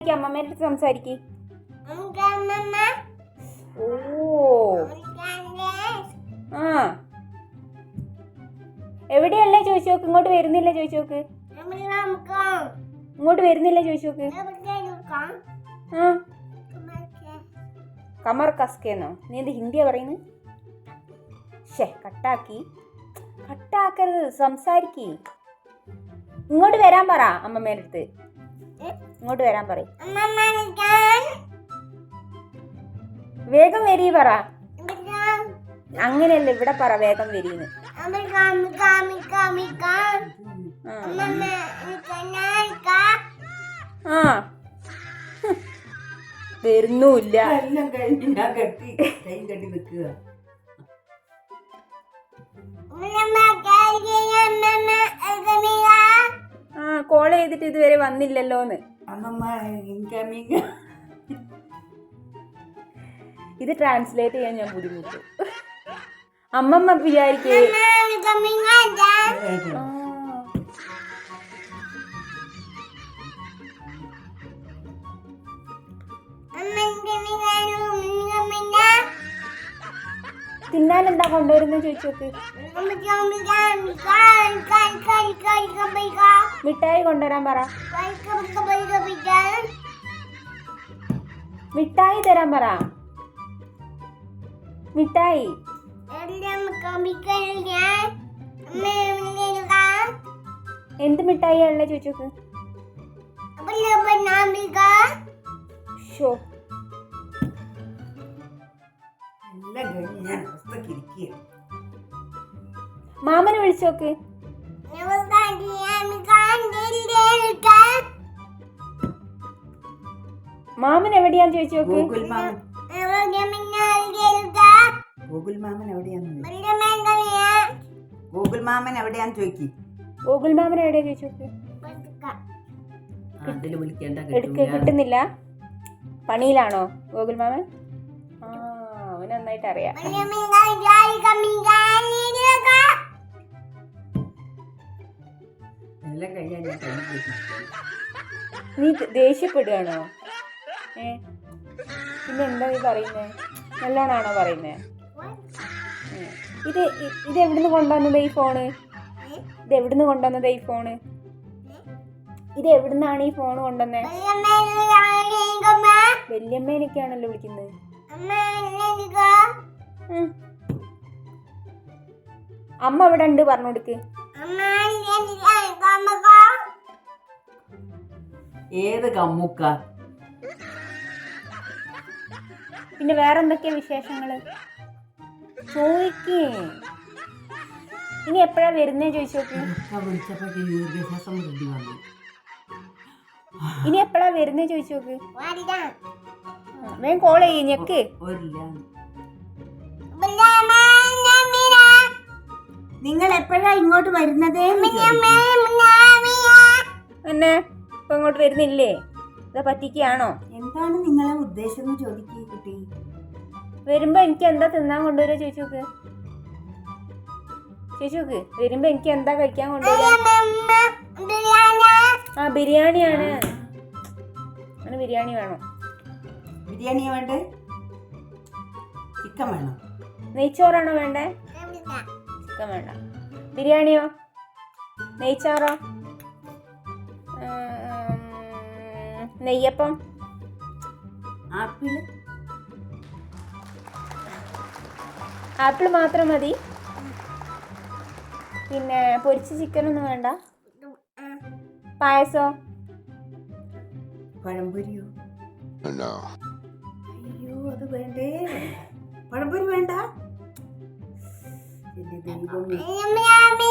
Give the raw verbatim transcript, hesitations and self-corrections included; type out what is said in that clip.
അമ്മമ്മേന്റെ അടുത്ത് സംസാരിക്ക്. ഓ ആ എവിടെയല്ലേ ചോദിച്ചു നോക്ക്. ഇങ്ങോട്ട് വരുന്നില്ല ചോദിച്ചു നോക്ക്. ഇങ്ങോട്ട് വരുന്നില്ല ചോദിച്ചു നോക്ക്. ആ കമർ കസ്കേന്നോ? നീ എന്ത് ഹിന്ദിയാ പറയുന്നത്? ഷേ കട്ടാക്കി കട്ടാക്കരുത്, സംസാരിക്ക്. ഇങ്ങോട്ട് വരാൻ പറ അമ്മമ്മേന്റെ അടുത്ത്. ഇങ്ങോട്ട് വരാൻ പറ. വേഗം വരീ പറ. അങ്ങനെയല്ല, ഇവിടെ പറ വേഗം വരീന്ന്. ആ വരുന്നുമില്ല. ആ കോൾ ചെയ്തിട്ട് ഇതുവരെ വന്നില്ലല്ലോന്ന്. ഇത് ട്രാൻസ്ലേറ്റ് ചെയ്യാൻ ഞാൻ ബുദ്ധിമുട്ടു. അമ്മമ്മ വിചാരിക്കേ തിന്നാൻ എന്താ കൊണ്ടുവരുന്നത് ചോദിച്ചു നോക്ക്. മിഠായി കൊണ്ടുവരാൻ പറ. മിഠായി തരാൻ പറ. മിഠായി എന്ത് മിഠായി ഉള്ള ചോദിച്ചു നോക്ക്. ഷോ മാമനെ വിളിച്ചു നോക്ക്. മാമൻ എവിടെയാന്ന് ചോദിച്ചു നോക്ക്. ഗൂഗിൾ മാമൻ എവിടെയാന്ന് ഗൂഗിൾ മാമൻ എവിടെയാന്ന് ചോദിക്കി. ഗൂഗിൾ മാമൻ എവിടെയാ ചോദിച്ചു നോക്ക്. എടുക്ക കിട്ടുന്നില്ല. പണിയിലാണോ ഗൂഗിൾ മാമൻ? ആ അവന് നന്നായിട്ട് അറിയാം. നീ ദേഷ്യപ്പെടുകയാണോ? ഏ പിന്നെ എന്താ നീ പറയുന്നേ? നല്ലോണാണോ പറയുന്നേ? ഇത് ഇത് എവിടുന്ന് കൊണ്ടുവന്നത് ഈ ഫോണ്? ഇത് എവിടുന്ന് കൊണ്ടുവന്നത് ഈ ഫോണ്? ഇത് എവിടുന്നാണ് ഈ ഫോൺ കൊണ്ടുവന്നേ? വല്യമ്മേനൊക്കെയാണല്ലോ വിളിക്കുന്നത്. അമ്മ ഇവിടെ ഉണ്ട്, പറഞ്ഞു കൊടുക്ക്. ഏത് കമ്മുക്ക? പിന്നെ വേറെന്തൊക്കെയാ വിശേഷങ്ങള് ചോദിക്കേ. ഇനി എപ്പോഴാ വരുന്നേ ചോദിച്ചു നോക്ക്. ഇനി എപ്പോഴാ വരുന്നേ ചോദിച്ചു നോക്ക്. വേഗം കോൾ ചെയ്യ്, ഞെക്ക്. നിങ്ങൾ എപ്പോഴാ ഇങ്ങോട്ട് വരുന്നത്? എന്നെ ഇപ്പൊ ഇങ്ങോട്ട് വരുന്നില്ലേ? ഇതാ പറ്റിക്കാണോ? എന്താണ് നിങ്ങളെ ഉദ്ദേശം എന്ന് ചോദിക്കേ കുട്ടി. വരുമ്പോ എനിക്ക് എന്താ തിന്നാൻ കൊണ്ടുവരാ ചോദിച്ചു നോക്ക്. ചോദിച്ചു നോക്ക്. വരുമ്പോ എനിക്ക് എന്താ കഴിക്കാൻ കൊണ്ടുവരാ? ആ ബിരിയാണിയാണ്. അങ്ങനെ ബിരിയാണി വേണോ? ബിരിയാണിയാ വേണ്ടേ? ചിക്കൻ വേണോ? നെയ്ച്ചോറാണോ വേണ്ടേ? ചിക്കൻ വേണ്ട. ബിരിയാണിയോ നെയ്ച്ചോറോ? നെയ്യപ്പം? ആപ്പിള്? ആപ്പിൾ മാത്രം മതി. പിന്നെ പൊരിച്ച ചിക്കനൊന്നും വേണ്ട. പായസോ? പഴംപൊരിയോ? അയ്യോ അത് വേണ്ടേ. പഴംപൊരി വേണ്ട.